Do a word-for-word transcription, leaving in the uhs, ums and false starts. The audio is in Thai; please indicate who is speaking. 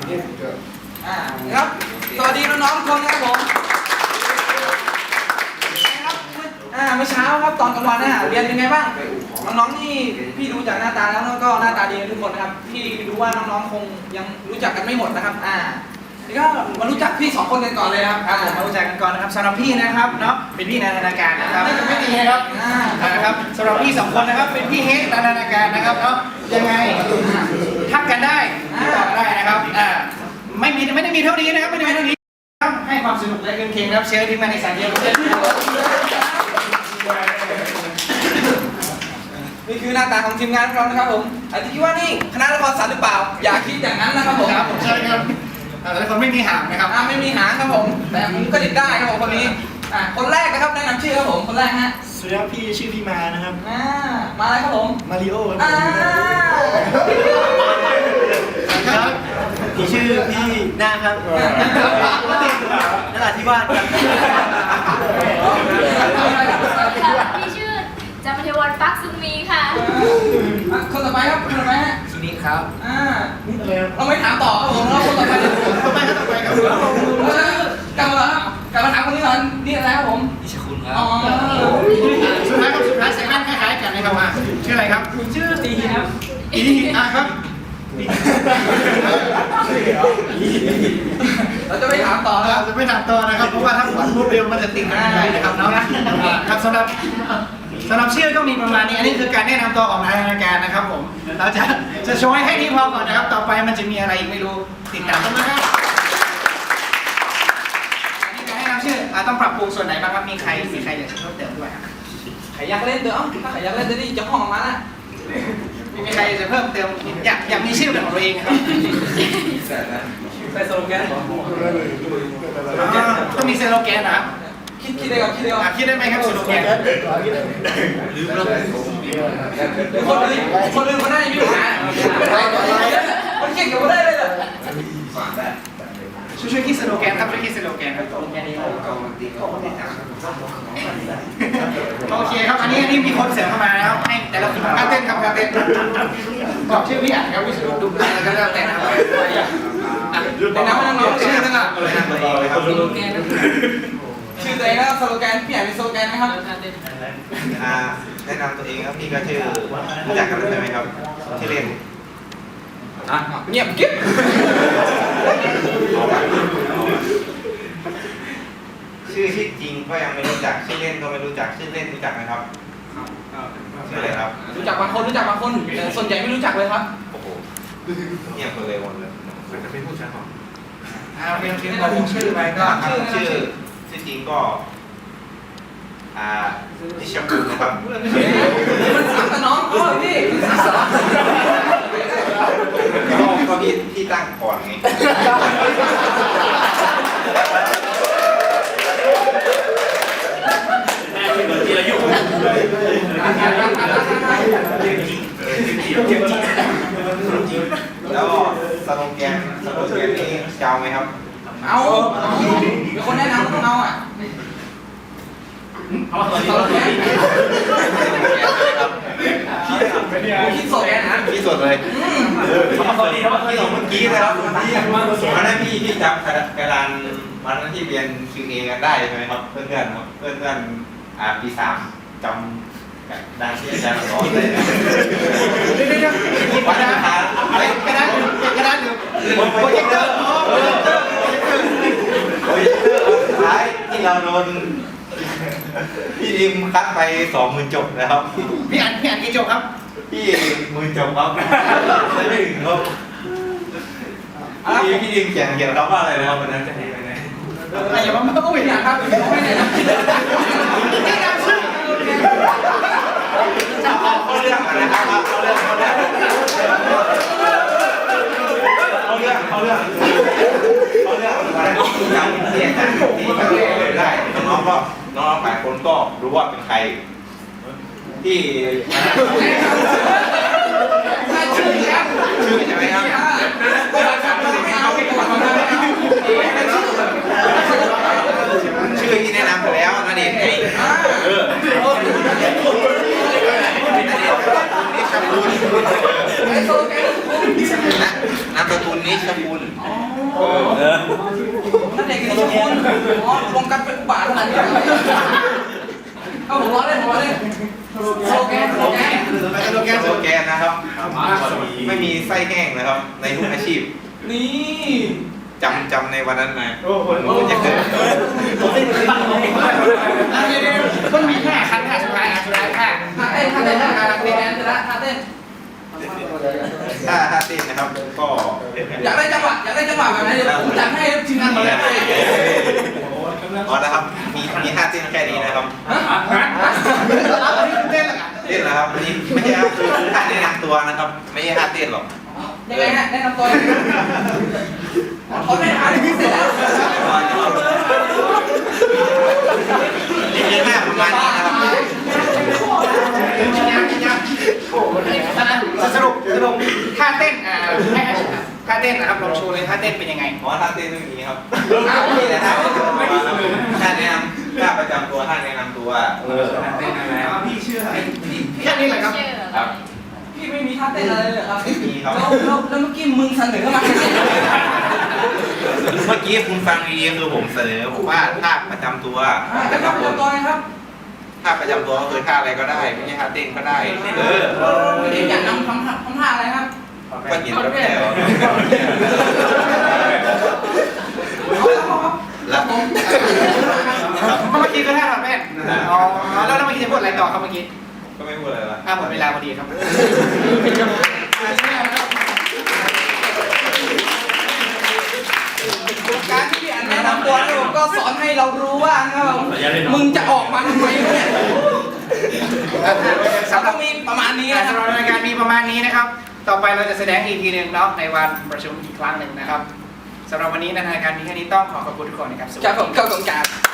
Speaker 1: อ่าครับสวัสดีน้องๆทุกคนนะครับผมครับอ่าเมื่อเช้าครับตอนกลางวันน่ะเรียนยังไงบ้างน้องๆนี่พี่ดูจากหน้าตาแล้วก็หน้าตาดีทุกคนนะครับพี่รู้ว่าน้องๆคงยังรู้จักกันไม่หมดนะครับอ่านี่ก็มารู้จักพี่สองคนกันก่อนเลยครับครับผมมารู้จักกันก่อนนะครับสำหรับพี่นะครับเนาะเป็นพี่นันทนาการนะครับไม่ดีนะครับนะครับสำหรับพี่สองคนนะครับเป็นพี่เฮกนันทนาการนะครับเนาะยังไงทักกันได้ติดต่อกันได้นะครับอ่าไม่มีไม่ได้มีเท่านี้นะครับไม่ได้มีเท่านี้ครับให้ความสนุกและเกินเคียงนะครับเชิญที่มาในสายเดียวกันนี่คือหน้าตาของทีมงานของเรานะครับผมอาจจะคิดว่านี่คณะละครศาสตร์หรือเปล่าอย่าคิดอย่างนั้นนะครับผมครับผมใช่ครับแต่คนไม่มีหางนะครับไม่มีหางครับผมแต่ผมก็ดิดได้ครับผมคนนี้อ่าคนแรกนะครับแนะนำชื่อครับผมคนแรกฮะ
Speaker 2: สวัสดีครับพี่ชื่อพี่มานะครับ
Speaker 1: อ่ามาอะไรครับผม
Speaker 2: มาริโอครับ
Speaker 1: อ่า
Speaker 2: ครับพี่ชื่อพี่หน้าครับนราธิวาสครับ
Speaker 3: พี่ชื่อจามเทวันปักซุงมีค่ะ
Speaker 1: คนต่อไปครับคนต่อไปฮะ
Speaker 2: ทีนี้ครับ
Speaker 1: อ่าเราไม่ถามต่อครับผมเราคนต่อไปต่อไปครับต่อไปครับกลับมาครับกลับมาถามคนนี้ก่อนนี่อะไรครับผม
Speaker 2: นิชคุณครับ
Speaker 1: อ๋อสุดท้ายครับสุดท้ายใส่แว่นคล้ายๆกันนะครับมาชื่ออะไรครับชื่อตีครับตีอ่ะครับเราจะไม่ถามต่อนะครับจะไม่ถามต่อนะครับเพราะว่าถ้าฝันพูดเร็วมันจะติดกันได้นะครับเนาะครับสำหรับสำหรับชื่อก็มีประมาณนี้อันนี้คือการแนะนำตัวของทางรายการนะครับผมเราจะจะโชว์ให้แค่นี้พอก่อนนะครับต่อไปมันจะมีอะไรอีกไม่รู้ติดตามกันนะครับอันนี้การแนะนำชื่อต้องปรับปรุงส่วนไหนบ้างครับมีใครมีใครอยากจะเพิ่มเติมด้วยใครอยากเล่นเดี๋ยวถ้าใครอยากเล่นจะได้จะห้องออกมาละมีใครจะเพิ่มเติมอยากอยากมีชื่อเป็นของตัวเองครับใส่สโลแกนต้องมีสโลแกนนะคิดคิดได้ก่อนคิดได้ก่อนคิดได้ไหมครับสโลแกนลืมแล้วคนอื่นคนอื่นคนนั้นยังมีปัญหาคนเก่งกับคนได้เลยเหรอช่วยช่วยคิดสโลแกนครับช่วยคิดสโลแกนครับโอเคครับอันนี้อันนี้มีคนเสริมเข้ามาแล้วให้แต่ละคนการเต้นครับการเต้นบอกชื่อพี่อ่านครับวิศนุดุมแล้วก็แล้วแต่นะครับแต่น้ำมันน้องชื่อนั่นแหละสโลแกนชื่อตัวเองแล้วสโลแกนพี่อ่านเป็นสโลแกนไหมครับ
Speaker 4: แนะนำตัวเองครับพี่ก็ชื่อรู้จักกันใช่ไหมครับชื่อเล่น
Speaker 1: อ่ะเงียบกิ๊บ
Speaker 4: ชื่อชื่อจริงก็ยังไม่รู้จักชื่อเล่นก็ไม่รู้จักชื่อเล่นรู้จักไหมครับชื่ออะไรครับ
Speaker 1: รู้จักบางคนรู้จักบางคนแต่ส่วนใหญ่ไม่รู้จักเลยครับ
Speaker 4: โอ้โหเงียบคนเลยหมดเลยจะไม่พูดใช่ไหม
Speaker 1: อ่าเพียงเพียงเราชื่อไปก็
Speaker 4: ชื่อชื่อชื่อจริงก็อ่านิชคุณนะครับ
Speaker 1: มันสามกับน้องก็พี่
Speaker 4: ก็พี่พี่ตั้งก่อนไงแล้วสโลแกนสโลแกนนี้จะเอาไหมครับ
Speaker 1: เอาเป็นคนแนะนำต้องเอาอ่ะเอาสโลแกนคิดสดเลยนะ
Speaker 4: คิดสดเลยพี่สองเมื่อกี้นะครับวันนั้นพี่พี่จับกระดานวันนั้นที่เรียน คิว เอ กันได้ใช่ไหมครับเพื่อนเพื่อนเพื่อนเพื่อนอ่าปีสามจำได้ที่อาจารย์สอนเลยวันนั้นหาอะไรกระดานกระดานหรือโปรเจคเตอร์โปรเจคเตอร์โปรเจคเตอร์สุดท้ายที่เราโดนพี่ดิมคัดไปสองหมื่นจบนะครับ
Speaker 1: พี่อ่านพี่อ่านกี่จบครับ
Speaker 4: พี่หมื่นจบครับไม่ถึงครับพี่พี่ดิมเขียนเขียนเขาว่าอะไรนะครับวันนั้นจะเห็นไปไหน
Speaker 1: อย่ามาเพิ่งอย่าครับไม่ได้นะแนะนำชื่อ
Speaker 4: จะเอาเขาเรื่องอะไรนะครับเขาเรื่องเขาเรื่องเขาเรื่องเขาเรื่องเขาเรื่องอะไรอย่างที่อาจารย์ที่เขาได้น้องก็น้องหลายคนก็รู้ว่าเป็นใครที่
Speaker 1: ชื่อครับ
Speaker 4: ชื่อใช่ไหมครับ
Speaker 1: ไม่เอาไม่เอา
Speaker 4: ชื่อที่แนะนำไปแล้วนั่นเองไงเออนี่ชาบูนนามสกุลนี้นิชคุณ
Speaker 1: อ๋อ
Speaker 4: เออ
Speaker 1: นั่นเด็กนิชคุณอ๋อรวมกันเป็นอุบาทขนาดนี้เลยเอาผมร้องเล่นผมร้องเล่นโซแกนโซแกน
Speaker 4: สโลแกนสโลแกนนะครับ ไม่มีไส้แห้งนะครับ ในทุกอาชีพ
Speaker 1: นี่
Speaker 4: จำจำในวันนั้นมา
Speaker 2: โอ้โห
Speaker 4: มันจะเกิด
Speaker 5: มันมีแค่คันค่ะสุดท้ายอ่ะสุดท้ายค่ะ
Speaker 1: ท่าเต้นท่าเต้นท่าเต้นเสร็จแล้วท่าเต้น
Speaker 4: ถ้าถ้าเต้นนะครับ ก็
Speaker 1: อยากได้จังหวะอยากได้จังหวะแบบไหนเดี๋ยวผมจัดให้ทีมงานมาเลย
Speaker 4: อ๋อนะครับ มีมีท่าเต้นแค่นี้นะครับ
Speaker 1: ฮะ
Speaker 5: เต้นละกัน
Speaker 4: เต้นเหรอครับอันนี้ไม่ใช่ครับคือคือท่าแนะนำตัวนะครับ ไม่ใช่ท่าเต้นหรอก
Speaker 1: ยังไงฮะแนะนำตัวเขาได้หาที่เสร็จแล้ว
Speaker 4: นี่คือท่าประมาณนี้นะครับ
Speaker 5: สรุปสรุปท่าเต้นอ่าให้ท่าเต้นนะครับลองโชว์เลยท่าเต้นเป็นยังไง
Speaker 4: อ๋อท่าเต้นไม่มีครับมีแต่ท่าท่าแนะนำท่าประจำตัวท่าแนะนำตัวเออท่าเต้นอะไร
Speaker 2: พี่ชื่ออะไร
Speaker 1: พี่
Speaker 5: แค่นี้แหละครับ
Speaker 3: ชื่อ
Speaker 4: ครับ
Speaker 1: พี่ไม่มีท่าเต้นอะไรเลยเหรอครับ
Speaker 4: ไม่มีครับ
Speaker 1: แล้วแล้วแล้วเมื่อกี้มึงเสนอมา
Speaker 4: เมื่อกี้คุณฟังดีๆคือผมเสนอผมว่าท่าประจำตัว
Speaker 1: จะทำตัวไงครับ
Speaker 4: ท่าประจำตัวก็คือท่าอะไรก็ได้ไม่ใช่ท่าเต้นก็ได้เออ
Speaker 1: เด็กอยากนำทำทำท่าอะไรครับ
Speaker 4: ก็เห็นแล้วแต่ว่า
Speaker 1: เอาแล้วครับ
Speaker 4: แล้วผม
Speaker 5: เมื่อกี้ก็ท่าทำแม่นอ๋อแล้วเมื่อกี้จะพูดอะไรต่อครับเมื่อกี้
Speaker 4: ก็ไม่พูดอะไรละ
Speaker 5: อ่าหมดเวลาพอดีครับ
Speaker 1: การที่พี่อันแนะนำตัวนี่ผมก็สอนให้เรารู้ว่านะครับมึงจะออกมาทำไมเนี่ยสำหรับมีประมาณนี้นะค
Speaker 5: สำห
Speaker 1: รั
Speaker 5: รับบ รายการมีประมาณนี้นะครับ ต่อไปเราจะแสดงอีกทีหนึ่งเนาะในวันประชุมอีกครั้งหนึ่งนะครับสำหรับวันนี้ในรายการมีแค่นี้ต้องขอขอบคุณทุกคนนะครับสวัสดี
Speaker 1: ครับผมเข้าตรงกลาง